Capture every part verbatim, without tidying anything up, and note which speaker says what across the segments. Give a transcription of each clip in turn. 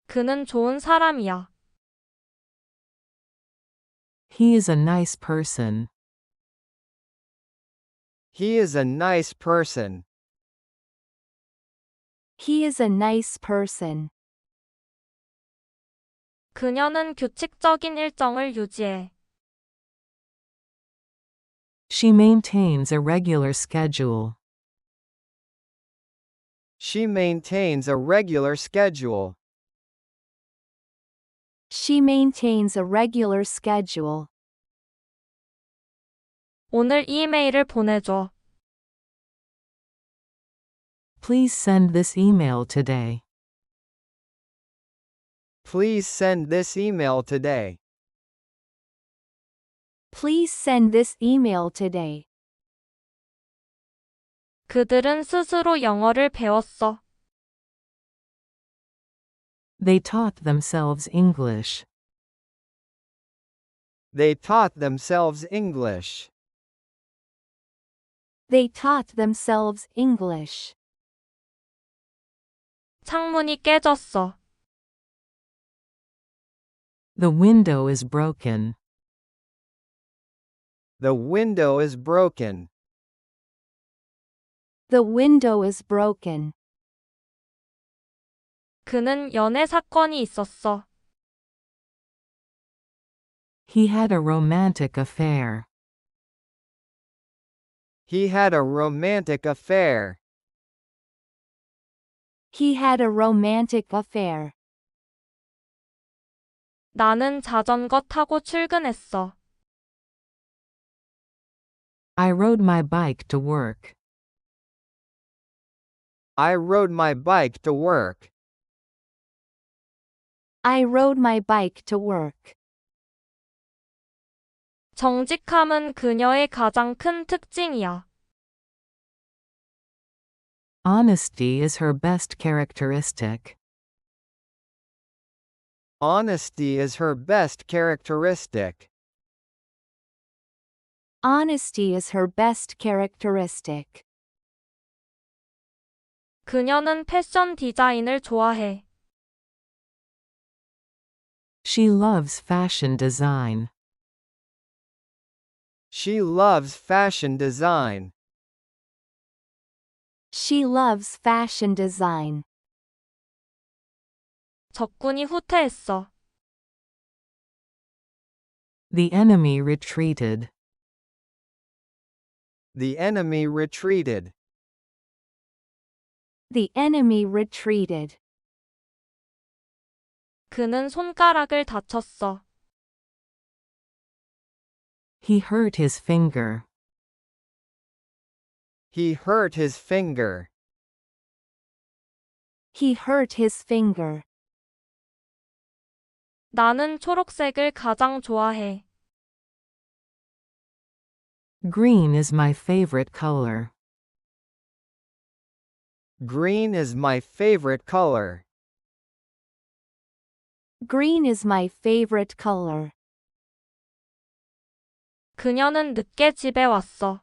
Speaker 1: 그는 좋은 사람이야.
Speaker 2: He is a nice person.
Speaker 3: He is a nice person.
Speaker 4: He is a nice person.
Speaker 1: 그녀는 규칙적인 일정을 유지해.
Speaker 2: She maintains a regular schedule.
Speaker 3: She maintains a regular schedule.
Speaker 4: She maintains a regular schedule.
Speaker 1: 오늘 이메일을 보내줘.
Speaker 2: Please send this email today.
Speaker 3: Please send this email today.
Speaker 4: Please send this email today.
Speaker 1: 그들은 스스로 영어를 배웠어.
Speaker 2: They taught themselves English.
Speaker 3: They taught themselves English.
Speaker 4: They taught themselves English.
Speaker 1: 창문이 깨졌어.
Speaker 2: The window is broken.
Speaker 3: The window is broken.
Speaker 4: The window is broken.
Speaker 1: 그는 연애 사건이 있었어.
Speaker 2: He had a romantic affair.
Speaker 3: He had a romantic affair.
Speaker 4: He had a romantic affair.
Speaker 1: 나는 자전거 타고 출근했어.
Speaker 2: I rode my bike to work.
Speaker 3: I rode my bike to work.
Speaker 4: I rode my bike to work.
Speaker 1: 정직함은 그녀의 가장 큰 특징이야.
Speaker 2: Honesty is her best characteristic.
Speaker 3: Honesty is her best characteristic.
Speaker 4: Honesty is her best characteristic.
Speaker 1: 그녀는 패션 디자인을 좋아해.
Speaker 2: She loves fashion design.
Speaker 3: She loves fashion design.
Speaker 4: She loves fashion design.
Speaker 1: 적군이 후퇴했어.
Speaker 2: The enemy retreated.
Speaker 3: The enemy retreated.
Speaker 4: The enemy retreated.
Speaker 1: 그는 손가락을 다쳤어.
Speaker 2: He hurt his finger.
Speaker 3: He hurt his finger.
Speaker 4: He hurt his finger.
Speaker 1: 나는 초록색을 가장 좋아해.
Speaker 2: Green is my favorite color.
Speaker 3: Green is my favorite color.
Speaker 4: Green is my favorite color.
Speaker 1: 그녀는 늦게 집에 왔어.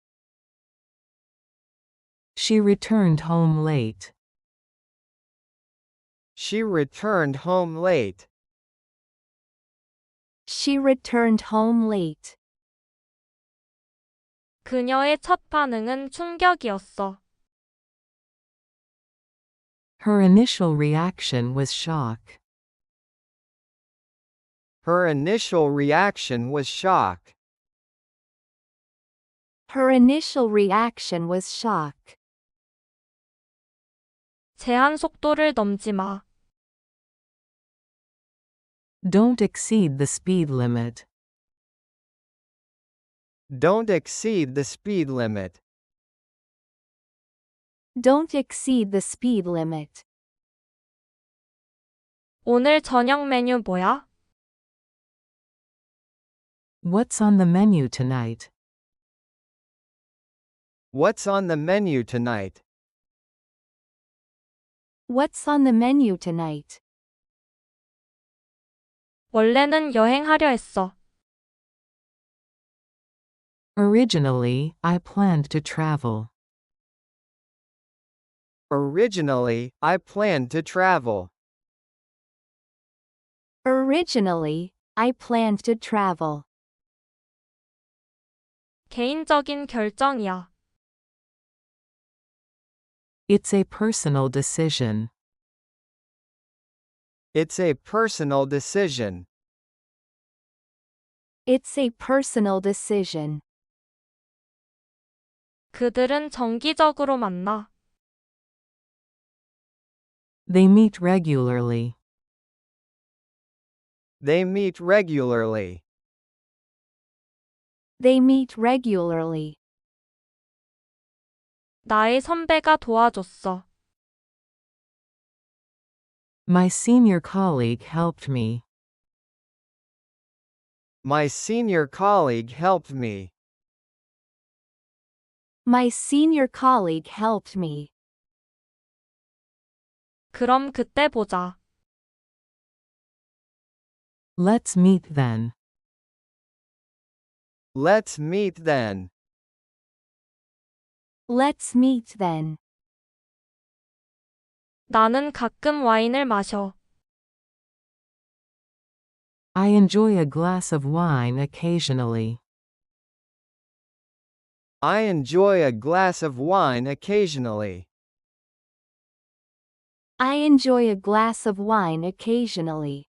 Speaker 2: She returned home late.
Speaker 3: She returned home late.
Speaker 4: She returned home late.
Speaker 1: 그녀의 첫 반응은 충격이었어.
Speaker 2: Her initial reaction was shock.
Speaker 3: Her initial reaction was shock.
Speaker 4: Her initial reaction was shock.
Speaker 1: 제한 속도를 넘지 마.
Speaker 2: Don't exceed the speed limit.
Speaker 3: Don't exceed the speed limit.
Speaker 4: Don't exceed the speed limit.
Speaker 1: 오늘 저녁 메뉴 뭐야?
Speaker 2: What's on the menu tonight?
Speaker 3: What's on the menu tonight?
Speaker 4: What's on the menu tonight?
Speaker 1: 원래는 여행하려 했어.
Speaker 2: Originally, I planned to travel.
Speaker 3: Originally, I planned to travel.
Speaker 4: Originally, I planned to travel.
Speaker 1: 개인적인 결정이야.
Speaker 2: It's a personal decision.
Speaker 3: It's a personal decision.
Speaker 4: It's a personal decision.
Speaker 1: 그들은 정기적으로 만나.
Speaker 2: They meet regularly.
Speaker 3: They meet regularly.
Speaker 4: They meet regularly.
Speaker 1: 나의 선배가 도와줬어.
Speaker 2: My senior colleague helped me.
Speaker 3: My senior colleague helped me.
Speaker 4: My senior colleague helped me.
Speaker 1: 그럼 그때 보자.
Speaker 2: Let's meet then.
Speaker 3: Let's meet then.
Speaker 4: Let's meet then.
Speaker 1: 나는 가끔 와인을 마셔.
Speaker 2: I enjoy a glass of wine occasionally.
Speaker 3: I enjoy a glass of wine occasionally.
Speaker 4: I enjoy a glass of wine occasionally.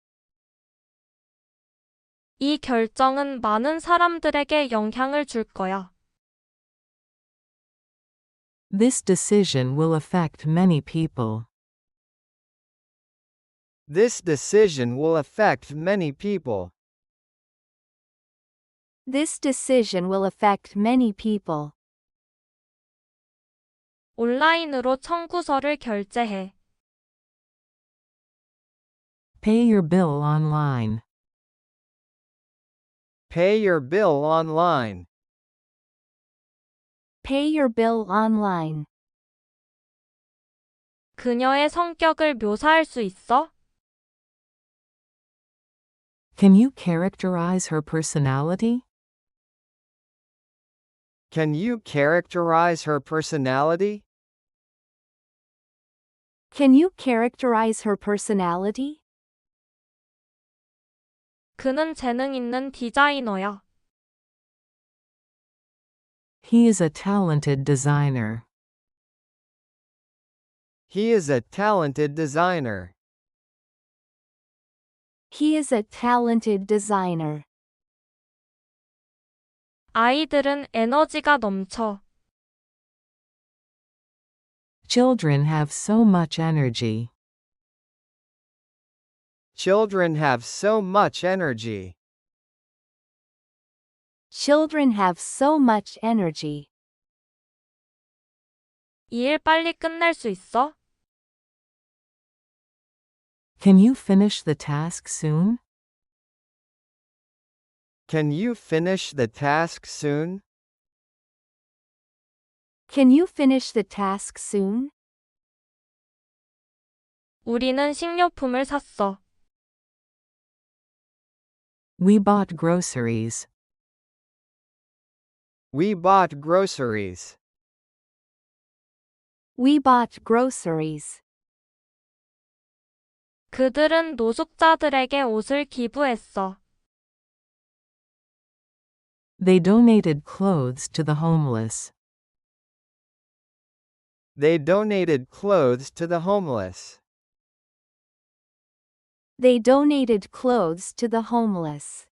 Speaker 1: 이 결정은 많은 사람들에게 영향을 줄 거야.
Speaker 2: This decision will affect many people.
Speaker 3: This decision will affect many people.
Speaker 4: This decision will affect many people.
Speaker 1: 온라인으로 청구서를 결제해.
Speaker 2: Pay your bill online.
Speaker 3: Pay your bill online.
Speaker 4: Pay your bill online.
Speaker 1: 그녀의 성격을 묘사할 수 있어?
Speaker 2: Can you characterize her personality?
Speaker 3: Can you characterize her personality?
Speaker 4: Can you characterize her personality?
Speaker 1: 그는 재능 있는 디자이너야.
Speaker 2: He is a talented designer.
Speaker 3: He is a talented designer.
Speaker 4: He is a talented designer.
Speaker 1: 아이들은 에너지가 넘쳐.
Speaker 2: Children have so much energy.
Speaker 3: Children have so much energy.
Speaker 4: Children have so much energy.
Speaker 1: 이 일 빨리 끝낼 수 있어?
Speaker 2: Can you finish the task soon?
Speaker 3: Can you finish the task soon?
Speaker 4: Can you finish the task soon?
Speaker 1: 우리는 식료품을 샀어.
Speaker 2: We bought groceries.
Speaker 3: We bought groceries.
Speaker 4: We bought groceries.
Speaker 1: 그들은 노숙자들에게 옷을 기부했어.
Speaker 2: They donated clothes to the homeless.
Speaker 3: They donated clothes to the homeless.
Speaker 4: They donated clothes to the homeless.